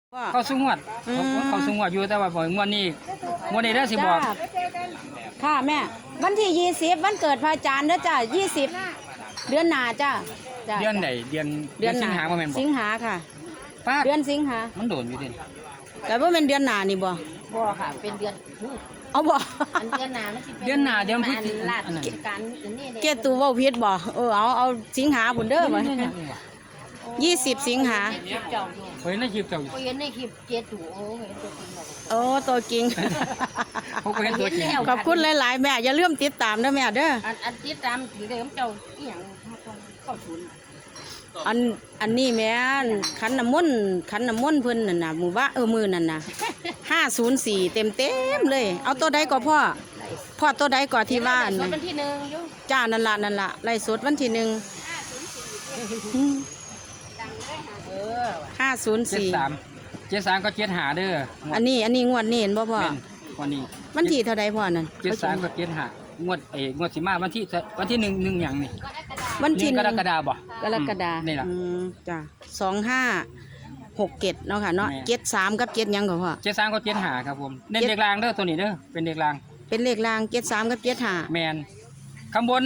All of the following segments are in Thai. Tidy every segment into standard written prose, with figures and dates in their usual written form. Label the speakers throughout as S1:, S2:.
S1: เข้าสูงวดเข้าสูงวดอยู่แต่ว่าบ่งวดนี้เด้อสิบอก
S2: ค่ะแม่วันที่20วันเกิดพระอาจารย์เด้อจ้า20เดือนหน้าจ้า
S1: เดือนไหนเดือนสิงหาบ่แม่นบ่
S2: สิงหาค่ะ
S1: ป้า
S2: เดือนสิงหา
S1: มันโดนอยู่ดิ
S2: แต่ว่าเป็นเดือนหน้านี่บ่
S3: บ่ค่ะเป็นเดือน
S2: เอาบ่
S3: อันเดือนหน้ามันสิเป็น
S1: เดือนหน้าเดือนพฤศจิ
S3: ลาก
S1: อันนั้น
S3: กิจการอันนี้เด้
S2: เกตูเว้าผิดบ่เอาสิงหาพุ่นเด้อบ่20สิงหา
S3: คลิปเจ้าอยู่
S1: เฮ้ยในคลิปเจ้า
S3: โอ้ยเห็นในคลิปเจ็ดถูโอ้เห็นตัวจริงแล้ว
S2: โอ้ตัวจริง
S1: เขาก็เห็นตัวจริง
S2: ขอบคุณหลายๆแม่อย่าลืมติดตามนะแม่เด้อ
S3: อันติดตามถือเดิมเจ้าอีหยังเข้าศูนย์
S2: อันนี้แม่นขันน้ำมนต์เพิ่นนั่นน่ะหมู่บ้านมื้อนั่นน่ะ504เต็มเลยเอาตัวใดก็พ่อตัวใดก็ที่ว่า
S3: ส่วนวันที่1อยู่
S2: จ้านั่นล่ะไล่สดวันที่1
S3: เออ
S2: 504
S1: 73ก็75เด้อ
S2: อันนี้งวดนี้เห็นบ่พ่อ
S1: แม่นวันนี้
S2: วันที่เท่าใดพ่อนั่น
S1: 73ก็75งวดสิมาวันที่1หยังนี่
S2: วันที่
S1: 1กรกฎาคมบ่
S2: กรกฎา
S1: นี่ล่ะ
S2: จ้า2567เนาะค่ะเนาะ
S1: แม่
S2: 73กับ7หยังก็พ่อ
S1: 73ก็75ครับผมเน้นเด็กลางเด้อตัวนี้เด้อเป็นเด็กลาง
S2: เป็นเลขราง73กับ75
S1: แมนข้างบน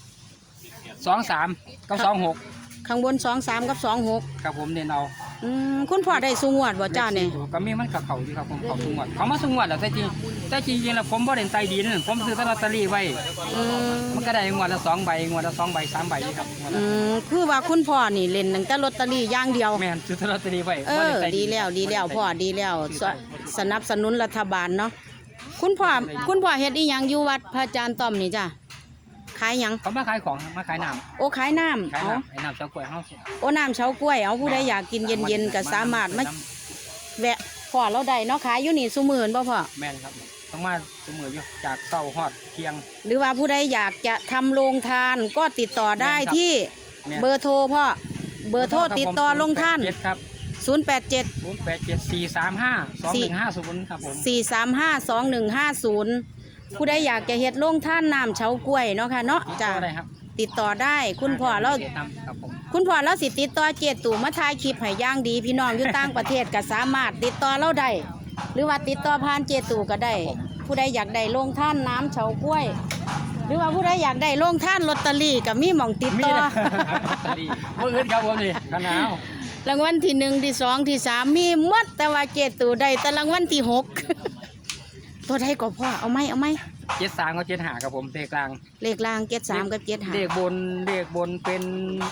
S1: 23กับ26
S2: ข้างบน23กับ26
S1: ครับผมเน้นเอา
S2: คุณพ่อได้สูงวดบ่จ้าเนี่ย
S1: ก็มีมันกับเขาอยู่ครับผมเขาสูงวัดเขามาสูงวัดแล้วแต่จริงแล้วผมบ่เด่นใจดีนั่นผมซื้อลอตเตอรี่ไว้มันก็ได้งวดละ2ใบงวดละ2ใบ3ใบนี่ครับงวดละ
S2: คือว่าคุณพ่อนี่เล่นตั้งแต่ลอตเตอรี่อย่างเดียว
S1: แม่นซื้อลอตเตอรี่ไว้
S2: เอ
S1: บ่
S2: อ
S1: ไใจ
S2: ดีแล้วพ่อดีแล้วสนับสนุนรัฐบาลเนาะคุณพ่อเฮ็ดอีหยังอยู่วัดพระอาจารย์ต้อมนี่จ้ะขายหยัง
S1: เขามาขายของมาขายน้ำ
S2: โอ้ขายน้ำ
S1: ขาย
S2: เอา
S1: น้ำไอ้น้ำเฉากล้วยเฮาสิ
S2: โอ้น้ำเฉากล้วยเอาผู้ใดอยากกินเย็นๆก็สามารถมาแวะพ่อเราได้เนาะขายอยู่นี่ซุมื้อบ่พ่อ
S1: แม่นครับต้องมาเสมออยู่จากเช้าฮอดเที่ยง
S2: หรือว่าผู้ใดอยากจะทำโรงทานก็ติดต่อได้ที่
S1: แม่น
S2: เบอร์โทรพ่อเบอร์โทรติดต่อลงท่าน
S1: ครับ
S2: 087
S1: 0874352150ครับผม
S2: 4352150ผู้ใดอยากจะเฮ็ดโรงท่านน้ำเฉากล้วยเนาะค่ะเนาะจ้ะ
S1: ได้ครับ
S2: ติดต่อได้คุณพ่อเรา
S1: ครับผม
S2: คุณพ่อเราสิติดต่อเจตู่มาถ่ายคลิปให้อย่างดีพี่น้องอยู่ต่างประเทศก็สามารถติดต่อเราได้หรือว่าติดต่อผ่านเจตู่ก็ได้ ผู้ใดอยากได้โรงท่านน้ำเฉากล้วย หรือว่าผู้ใดอยากได้โรงท่านลอตเตอรี่ก็มีหม่องติด
S1: มี
S2: ต่อ
S1: นะเมื่อคืนครับผมนี่กันหนาว
S2: รางวัลที่1ที่2ที่3มีหมดแต่ว่าเจตู่ได้แต่รางวัลที่6 ตัวใดก็พ่อเอาไหม
S1: 73กับ75ครับผมเลขกลาง
S2: เลขล่าง73กับ75
S1: เลขบนเป็น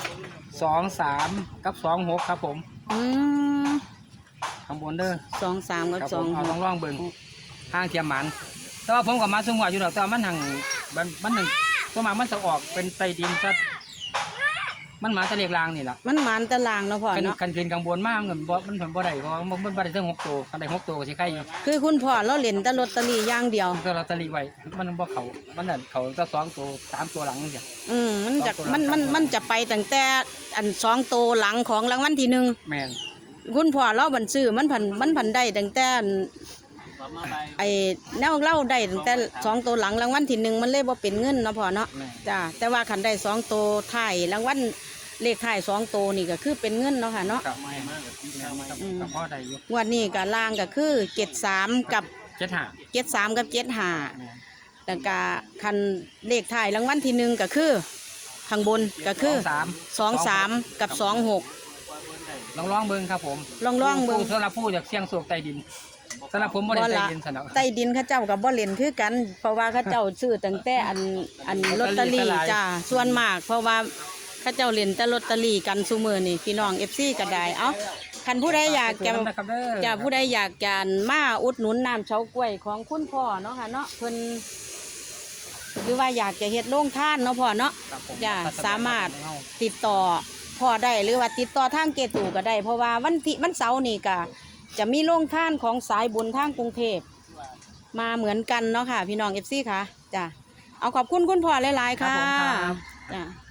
S1: 23กับ26ครับผม
S2: อืม
S1: ข้างบนเด้อ
S2: 23กับ
S1: ครับผมเอาลองเบิ่งทางเทียมหมันแต่ว่าผมกับมาสูงกว่าอยู่ดอกแต่ว่ามันทางมันหนึ่งตัวมามันจะออกเป็นไตดินซะมันมาจะเลขกลางนี่ล่ะ
S2: มันหมานตารางเนาะพ่อเนาะ
S1: กันขึ้นข้างบนมากเงินมันผลบ่ได้เพราะว่ามันบ่ได้ถึง6ตัวกันได้6ตัวก็สิใครอยู่
S2: คือคุณพ่อเราเล่นแต่ลอตเตอรี่อย่างเดียว
S1: ก็ลอตเตอรี่ไว้มันบ่เขามันนั่นเขาจะ2ตัว3ตัวหลังจัง
S2: มันจะไปตั้งแต่อัน2โตวหลังของรางวัลที่1
S1: แม่น
S2: คุณพ่อเราบันซื้อมันผันได้ตั้งแต่ไอ้แนวเล่าได้ตั้งแต่2โตวหลังรางวัลที่1มันเลยบ่เป็นเงินเนาะพ่อเนาะ
S1: แม่น
S2: จ้าแต่ว่าคันได้2โตวท้ายรางวัลเลขท้าย2โตวนี่ก็คือเป็นเงินเนาะค่ะเนาะ
S1: กับไม่มากกับพ่อได้อยู่
S2: งวดนี้ก็ล่างก็คือ73กับ
S1: 75
S2: 73กับ75แล้วก็คันเลขท้ายรางวัลที่1ก็คือข้างบนก็คือ23กับ26
S1: ลองเบิ่งครับผม
S2: ลองเบิ่ง
S1: สำหรับผู้อยากเสี่ยงโชคใต้ดินสำหรับผมบ่ได้ใต้ดินสนับ
S2: ใต้ดินเขาเจ้ากับบ่เล่นคือกัน เพราะว่าเขาเจ้าซื้อตั้งแต่อันลอตเตอรี่จ้าส่วนมาก เพราะว่าเขาเจ้าเล่นแต่ลอตเตอรี่กันซุมื้อนี่พี่น้อง FC ก็ได้เอ้าคันผู้ใดอยากจะผู้ใดอยากจะมาอุดหนุนน้ำเฉากล้วยของคุณพ่อเนาะค่ะเนาะเพิ่นหรือว่าอยากจะเฮ็ดโรงทานเนาะพ่อเนาะจ้าสามารถติดต่อพ่อได้หรือว่าติดต่อทางเกตู่ก็ได้ เพราะว่าวันเสาร์นี่ก็จะมีโรงทานของสายบุญทางกรุงเทพมาเหมือนกันเนาะค่ะพี่น้อง FC ค่ะจ้าเอาขอบคุณคุณพ่อหลายๆค่ะจ้า